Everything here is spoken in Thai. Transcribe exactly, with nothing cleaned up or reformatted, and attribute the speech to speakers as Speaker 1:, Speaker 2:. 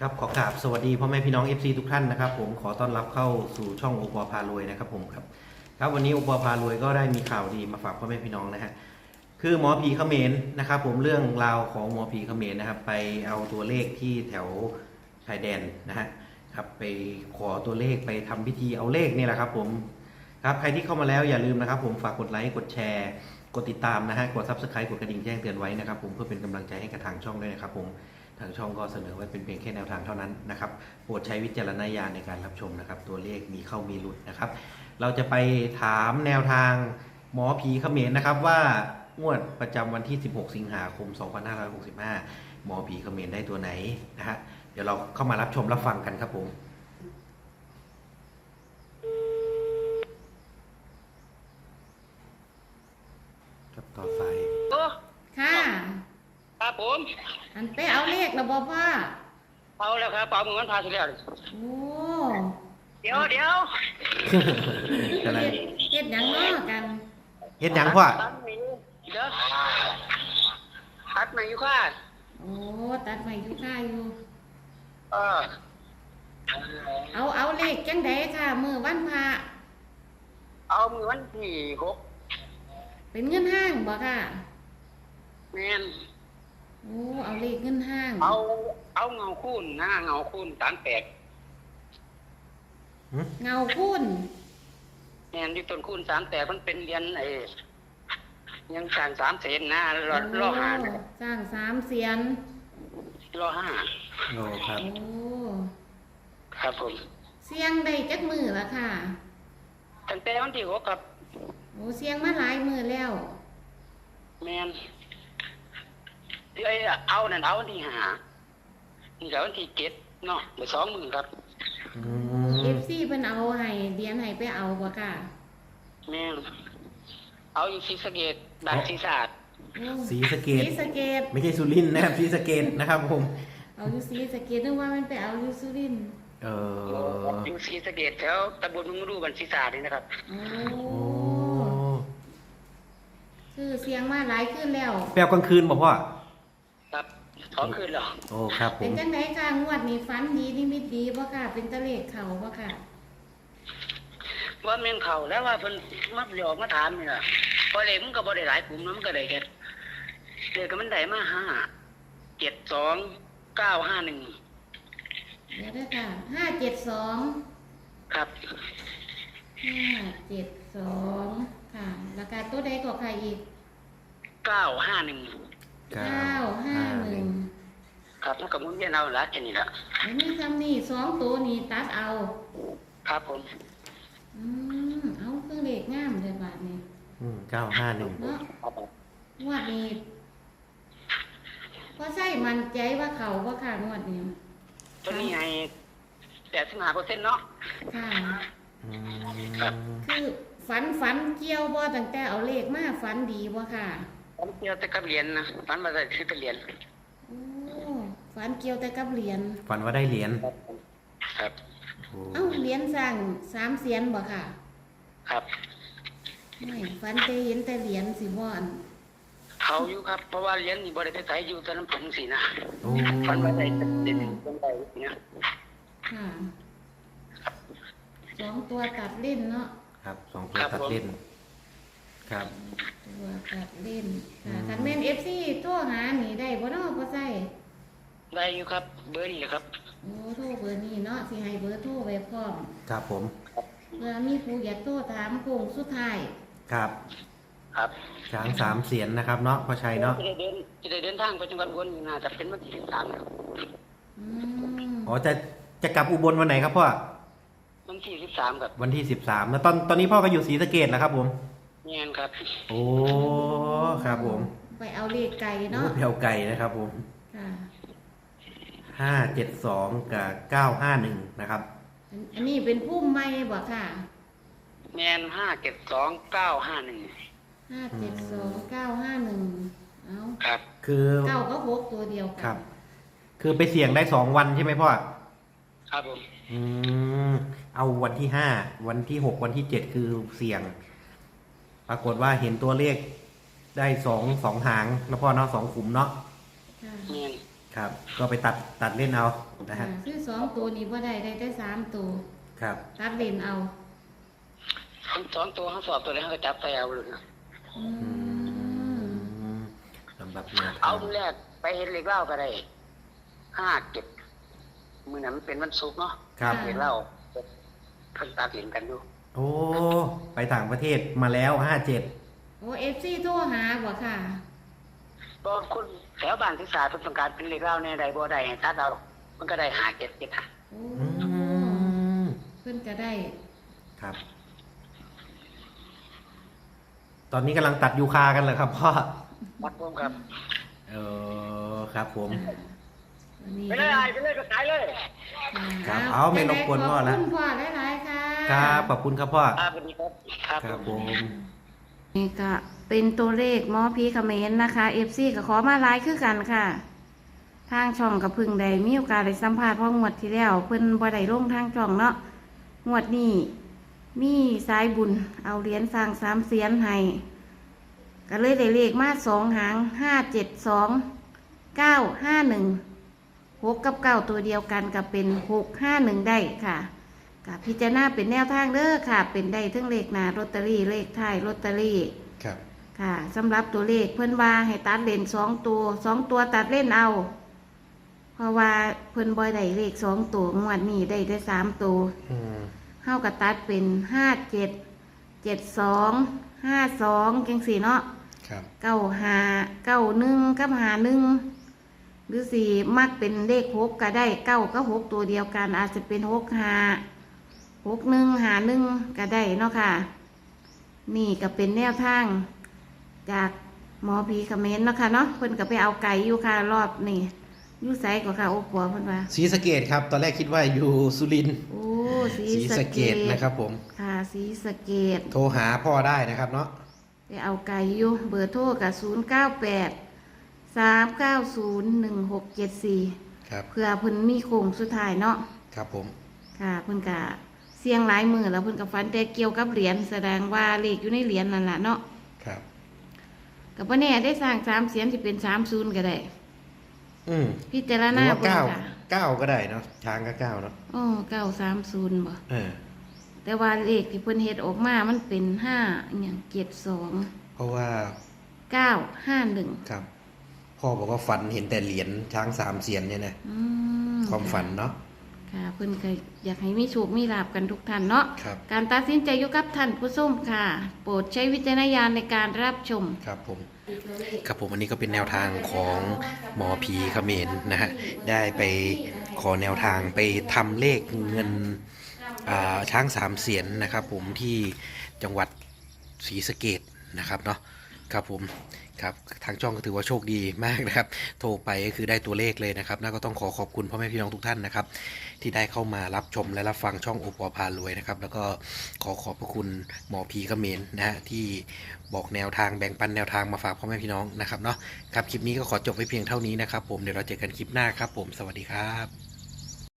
Speaker 1: ครับขอกราบสวัสดีพ่อแม่พี่น้อง เอฟ ซี ทุกท่านนะครับผมขอต้อนรับเข้าสู่ช่องโอปอพารวยนะครับผมครับครับวันนี้โอปอพารวยก็ได้มีข่าวดีมาฝากพ่อแม่พี่น้องนะฮะคือหมอผีเขมรนะครับผมเรื่องราวของหมอผีเขมรนะครับไปเอาตัวเลขที่แถวชายแดนนะฮะครับไปขอตัวเลขไปทำพิธีเอาเลขนี่แหละครับผมครับใครที่เข้ามาแล้วอย่าลืมนะครับผมฝากกดไลค์กดแชร์กดติดตามนะฮะกด ซับสไครบ์ กดกระดิ่งแจ้งเตือนไว้นะครับผมเพื่อเป็นกำลังใจให้กับทางช่องด้วยนะครับผมทางช่องก็เสนอไว้เป็นเพียงแค่แนวทางเท่านั้นนะครับโปรดใช้วิจารณญาณในการรับชมนะครับตัวเลขมีเข้ามีหลุดนะครับเราจะไปถามแนวทางหมอผีเขมรนะครับว่างวดประจำวันที่สิบหกสิงหาคมสองพันห้าร้อยหกสิบห้าหมอผีเขมรได้ตัวไหนนะฮะเดี๋ยวเราเข้ามารับชมรับฟังกันครับผมกับต่อสาย
Speaker 2: โอ้
Speaker 3: ค่ะ
Speaker 2: ครับผม
Speaker 3: อันไปเอาเลขแล้วบ่พ่อ
Speaker 2: เอาแล้วครับเอามือมันพาสิแล้ว
Speaker 3: โอ้
Speaker 2: เดี๋ยวเดี๋ยว
Speaker 1: อะไร
Speaker 3: เฮ็ดเฮ็ดหยังเนาะกัน
Speaker 1: เฮ็ดหยังพ่อ
Speaker 2: ตัดไม่อยู่เดี๋ยวตัดไม่อยู่ค่ะ
Speaker 3: โอ้ตัดไม้อยู่ค่าอยู่
Speaker 2: เออ
Speaker 3: เอาเอาเลขจังไดค่ะมื้อวันพระ
Speaker 2: เอามือวันที่หก
Speaker 3: เป็นเงินห้างบ่ค่ะ
Speaker 2: แมน
Speaker 3: โอ้เอาเลขเงินห้าง
Speaker 2: เอาเอาเงาคูณนะเงาคูณสามแปด
Speaker 3: เงาคุ้น
Speaker 2: แมนที่ต้นคูณสามแปดมันเป็นเหรียญไอ้ยังสร้างสามเซนนะรอรอห้านะ
Speaker 3: สร้างสามเสียน
Speaker 2: รอห้า
Speaker 1: โอ้ครับ
Speaker 3: โอ้
Speaker 2: ครับผม
Speaker 3: เสียงได้จักมือละค่ะ
Speaker 2: ตั้งแต่วันที่หกครับ
Speaker 3: โอ้เสียงมาหลายมือแล้ว
Speaker 2: แมนที่ไอ้เอานั่นเอาวันที่ห้านี่ก็วันที่เจ็ดเนาะเดี๋ยวสองหมื่นครับ
Speaker 1: อื
Speaker 3: เอ
Speaker 1: ม
Speaker 3: ฟซีเพิ่นเอาให้เดียนให้ไปเอาบ่ค่ะ
Speaker 2: แม่นเอาอยู่ศรีสะเกษบ้านศรีสะอาด
Speaker 3: โอ้
Speaker 1: ศรีสะเก
Speaker 3: ศ
Speaker 1: ษ
Speaker 3: รีสะเกษ
Speaker 1: ไม่ใช่สุรินทร์นะครับศรีสะเกษนะครับผม
Speaker 3: เอาอยู่ศรีสะเกษนึกว่ามันไปเอาอยู่สุรินทร์
Speaker 1: เออ
Speaker 2: อยู่ศรีสะเกษแถวตำบลมึงรูบ้านศรีสะอาดนี่นะครับ
Speaker 3: โอ้
Speaker 1: โอ้
Speaker 3: คือเสียงมาหลายขึ้นแล้ว
Speaker 1: แปลกลางคืนบอกพ่อ
Speaker 2: ครับสองคืนเหรอ
Speaker 1: โอ้ครับผ
Speaker 3: เป็น
Speaker 1: ม
Speaker 3: จังไดค่ะงวดนี้ฝันดีนิมิตดีบ่ค่ะ เป็นตะเลขเขาบ่ค่ะ
Speaker 2: ว่าแม่นเขาแล้วว่าเพิ่นมาหยอกมาถามนี่ล่ะพอเลยมันก็บ่ได้หลายกลุ่มเนาะมันก็ได้แค่เลขก็มันได้มาห้าเจ็ดสองเก้าห้าหนึ่ง
Speaker 3: เดี๋ยวเด้อค่ะห้าเจ็ดสอง
Speaker 2: ครับ
Speaker 3: ห้าเจ็ดสองค่ะราคาตัวใดก็ค่ะอีก
Speaker 2: เก้าห้าหนึ่ง
Speaker 1: เก้า
Speaker 3: เก้าห้าหนึ่ง
Speaker 2: ครับมันก็หมุนเวียนเอาละแค่นี้ละ
Speaker 3: อันนี้คำนี้สองตัวนี้ตัดเอา
Speaker 2: ครับผม
Speaker 3: อืมเอาเครื่องเลขงามเลยบาทนี้
Speaker 1: อืมเก้าห้าหนึ่ง
Speaker 3: เนาะงวดนี้พอใช่มันใจว่าเขาว่าค่ะงวดนี้
Speaker 2: ตัวนี้ให้แปดสิบห้าเปอร์เซ็นต์เนาะ
Speaker 3: ค่ะ
Speaker 1: อืม
Speaker 3: คือฝันฝันเกี่ยวบ่ตั้งแต่เอาเลขมาฝันดีบ่ค่ะ
Speaker 2: ผมเกี่ยวแต่กับเหรียญนะฝันมาได้คือเป็นเหรียญ
Speaker 3: โอ้ฝันเกี่ยวแต่กับเหรียญ
Speaker 1: ฝันว่าได้เหรียญ
Speaker 2: ครับ
Speaker 1: โอ้
Speaker 3: เอ้าเหรียญสร้างสามเสียนบ่ค่ะ
Speaker 2: ครับ
Speaker 3: ไม่ฝันแต่เห็นแต่เหรียญสิบ่อัน
Speaker 2: เขาอยู่ครับเพราะว่าเหรียญนี่บริเวณไทยอยู่ตอนนั้นผมสินะ
Speaker 1: โอ้
Speaker 2: ฝันว่าได้เด่นตรงใดเนี่ย
Speaker 3: ค่ะสองตัวตัดเล่นเนาะ
Speaker 1: ครับสองตัวตัดเล่นครับ
Speaker 3: ตัวตัดเล่นค่ะคันแม่น เอฟ ซี โทรหานี่ได้บ่เนาะบ่ใช่
Speaker 2: ได้อยู่ครับเบอร์นี้ครับ
Speaker 3: โอ้โทรเบอร์นี้เนาะสิให้เบอร์โทรไว้พร้อม
Speaker 1: ครับผม
Speaker 3: เพื่อมีผู้อยากโทรถามโค้งสุดท้าย
Speaker 1: ครับ
Speaker 2: ครับ
Speaker 1: ช้างสามเสียนนะครับเนาะพ่อชัยเนาะ
Speaker 2: จะได้เดินจะได้เดินทางไปจังหวัดอุบลนี่น่าจะเป็นวันที่สิบสามครับ
Speaker 3: อืม
Speaker 1: อ๋อจะจะกลับอุบลวันไหนครับพ่อ
Speaker 2: วันที่สิบสามครับ
Speaker 1: วันที่สิบสามแล้วตอนตอนนี้พ่อก็อยู่ศรีสะเกษแล้วครับผม
Speaker 2: เงียนครับ
Speaker 1: โอ้ครับผม
Speaker 3: ไปเอาเลขไก่
Speaker 1: โอ้
Speaker 3: เนาะ
Speaker 1: เพียวไก่นะครับผม
Speaker 3: ค่ะ
Speaker 1: ห้าเจ็ดสองกับเก้าห้าหนึ่งนะครับ
Speaker 3: อันอันนี้เป็นพุ่มไม้บ่ค่ะ
Speaker 2: เงียนห้าเจ็ดสองเก้าห้าหนึ่ง
Speaker 3: ห้าเจ็ดสองเก้าห้าหนึ่งเอา
Speaker 2: ครับ
Speaker 1: คือ
Speaker 3: เก้าก็หกตัวเดียวกั
Speaker 1: ครับ คือไปเสี่ยงได้สองวันใช่ไหมพ่อ
Speaker 2: ครับผม
Speaker 1: อืมเอาวันที่ห้าวันที่หกวันที่เจ็ดคือเสี่ยง ปรากฏว่าเห็นตัวเลขได้สองสองหางแล้วพ่อเนาะสองขุมเนาะ
Speaker 3: ค่ะ
Speaker 2: เงียน
Speaker 1: คครับ ก็ไปตัดตัดเล่นเอานะฮะ
Speaker 3: ซื้อสองตัวนี้บ่ได้ได้แต่สามตัว
Speaker 1: ครับ
Speaker 3: ตัดเลนเอา
Speaker 2: ทั้งสองตัวทั้งสอบตัวนี้เขาก็จับไปเอาเลย
Speaker 3: อื
Speaker 1: อื
Speaker 3: ม
Speaker 1: มสำหรับแนว
Speaker 2: เอา
Speaker 1: ทาง
Speaker 2: แรกไปเห็นเหล็กเหล้าก็ได้ห้าเจ็ดมือนั้นมันเป็นวันศุกร์เนาะ
Speaker 1: ครับ
Speaker 2: เหล็กเหล้าเพิ่งตัดเหรียญกันอยู่
Speaker 1: โอ้ไปต่างประเทศมาแล้วห้าเจ็ด
Speaker 3: โอ้เอฟซีโทรหาบ่ค่ะ
Speaker 2: ก็คนแถวบ้านที่สาเพิ่นต้องการเป็นเหล็กเหล้าเนี่ยใดบ่ได้ให้ตัดเอามันก็ได้หาเจ็ดเจ็ดหา
Speaker 3: โอ้
Speaker 1: อืม
Speaker 3: เพิ่นก็ได้
Speaker 1: ครับ ตอนนี้กำลังตัดยูคากันเหรอครับพ่อ
Speaker 2: วัดรวมครับ
Speaker 1: เออครับผม
Speaker 3: วันนี้
Speaker 2: ไปเลยไอ้ไปเลยก็ขายเลย
Speaker 1: ครับเอาไม่รบกวนพ่อละ
Speaker 3: ขอบคุณพ่อหลายๆค่ะ
Speaker 1: ครับขอบคุณครับพ่อ
Speaker 2: ครับสวัสดีครับครับ
Speaker 1: ครับผม
Speaker 3: นี่ก็เป็นตัวเลขหมอพีเขมรนะคะ เอฟซีก็ขอมาไลฟ์คือกันค่ะ ทางช่องกับพึ่งใดมีโอกาสได้สัมภาษณ์เพราะงวดที่แล้วเพิ่นบ่ได้ลงทางช่องเนาะงวดนี้มีสายบุญเอาเหรียญสร้างสามเสียนให้ก็เลยได้เลขมาสองหางห้าเจ็ดสองเก้าห้าหนึ่งหกกับเก้าตัวเดียวกันกับเป็นหกห้าหนึ่งได้ค่ะกับพิจารณาเป็นแนวทางเด้อค่ะ เป็นได้ทั้งเลขหน้าลอตเตอรี่เลขท้ายลอตเตอรี่
Speaker 1: ครับ
Speaker 3: ค่ะสำหรับตัวเลขเพิ่นว่าให้ตัดเลนสองตัวสองตัวตัดเล่นเอา เพราะว่าเพิ่นบ่ได้เลขสองตัวงวดนี้ได้ได้สามตัว
Speaker 1: อืม
Speaker 3: เฮากับตัดเป็นห้าเจ็ดเจ็ดสองห้าสองจังสี่เนาะ
Speaker 1: ครับ
Speaker 3: เก้าห้าเก้าหนึ่งกับห้าหนึ่งหรือสี่มักเป็นเลขหกก็ได้เก้าก็หกตัวเดียวกัน อาจจะเป็นหกห้าหกหนึ่งห้าหนึ่งก็ได้เนาะค่ะ นี่ก็เป็นแนวทาง จากหมอผีเขมรเนาะค่ะเนาะเพิ่นก็ไปเอาไก่อยู่ค่ะรอบนี่อยู่ไสกว่าค่ะโอ้ปัวเพิ่นว่า
Speaker 1: ศรีสะเกดครับ ตอนแรกคิดว่าอยู่สุรินทร์
Speaker 3: โอ้สี
Speaker 1: ศรี
Speaker 3: สะ
Speaker 1: สะ
Speaker 3: เก
Speaker 1: เกด
Speaker 3: ด
Speaker 1: นะครับผม
Speaker 3: ค่ะสีสะเกด
Speaker 1: โทรหาพ่อได้นะครับเนาะ
Speaker 3: ไปเอาไก่อยู่เบอร์โทรกับศูนย์เก้าแปดสามเก้าศูนย์หนึ่งหกเจ็ดสี่
Speaker 1: ครับ
Speaker 3: เพื่อเพิ่นมีโค้งสุดท้ายเนาะ
Speaker 1: ครับผม
Speaker 3: ค่ะเพิ่นก็เสียงหลายมือแล้วเพิ่นก็ฟันแต่เกี่ยวกับเหรียญแสดงว่าเลขอยู่ในเหรียญนั่นล่ะเนาะ
Speaker 1: ครับ
Speaker 3: ก็บ่แน่ได้สร้างสามเสียนสิเป็นสามศูนย์ก็ได้
Speaker 1: อืม
Speaker 3: พิจาร
Speaker 1: หรื
Speaker 3: ณา
Speaker 1: อว่า
Speaker 3: เบิ่ง
Speaker 1: เก้า
Speaker 3: ค่ะ
Speaker 1: เก้าก็ได้เนาะช้างก็เก้าเนาะ
Speaker 3: โอ้เก้าสามศูนย์บ่
Speaker 1: เออ
Speaker 3: แต่ว่าเลขที่เพิ่นเฮ็ดออกมามันเป็นห้าอหย่างเจ็ดสอง
Speaker 1: เพราะว่า
Speaker 3: เก้าห้าหนึ่ง
Speaker 1: ครับ พ่อบอกว่าฝันเห็นแต่เหรียญช้างสามเสียนเนี่ยนะ
Speaker 3: อืม
Speaker 1: ความฝันเนาะ
Speaker 3: ค่ะเพิ่นก็อยากให้มีโชคมีลาภกันทุกท่านเนาะ
Speaker 1: ครับ
Speaker 3: การตัดสินใจอยู่กับท่านผู้ชมค่ะ โปรดใช้วิจารณญาณในการรับชม
Speaker 1: ครับผม ครับผมอันนี้ก็เป็นแนวทางของหมอผีเขมรนะฮะ ได้ไปขอแนวทางไปทำเลขเงินอ่าช้างสามเสียนนะครับผมที่จังหวัดศรีสะเกษนะครับเนาะครับผมครับทางช่องก็ถือว่าโชคดีมากนะครับ โทรไปก็คือได้ตัวเลขเลยนะครับน่าก็ต้องขอขอบคุณพ่อแม่พี่น้องทุกท่านนะครับ ที่ได้เข้ามารับชมและรับฟังช่องโอปอพารวยนะครับ แล้วก็ขอขอบพระคุณหมอผีเขมรนะฮะที่บอกแนวทางแบ่งปันแนวทางมาฝากพ่อแม่พี่น้องนะครับเนาะครับคลิปนี้ก็ขอจบไว้เพียงเท่านี้นะครับผมเดี๋ยวเราเจอกันคลิปหน้าครับผมสวัสดีครับ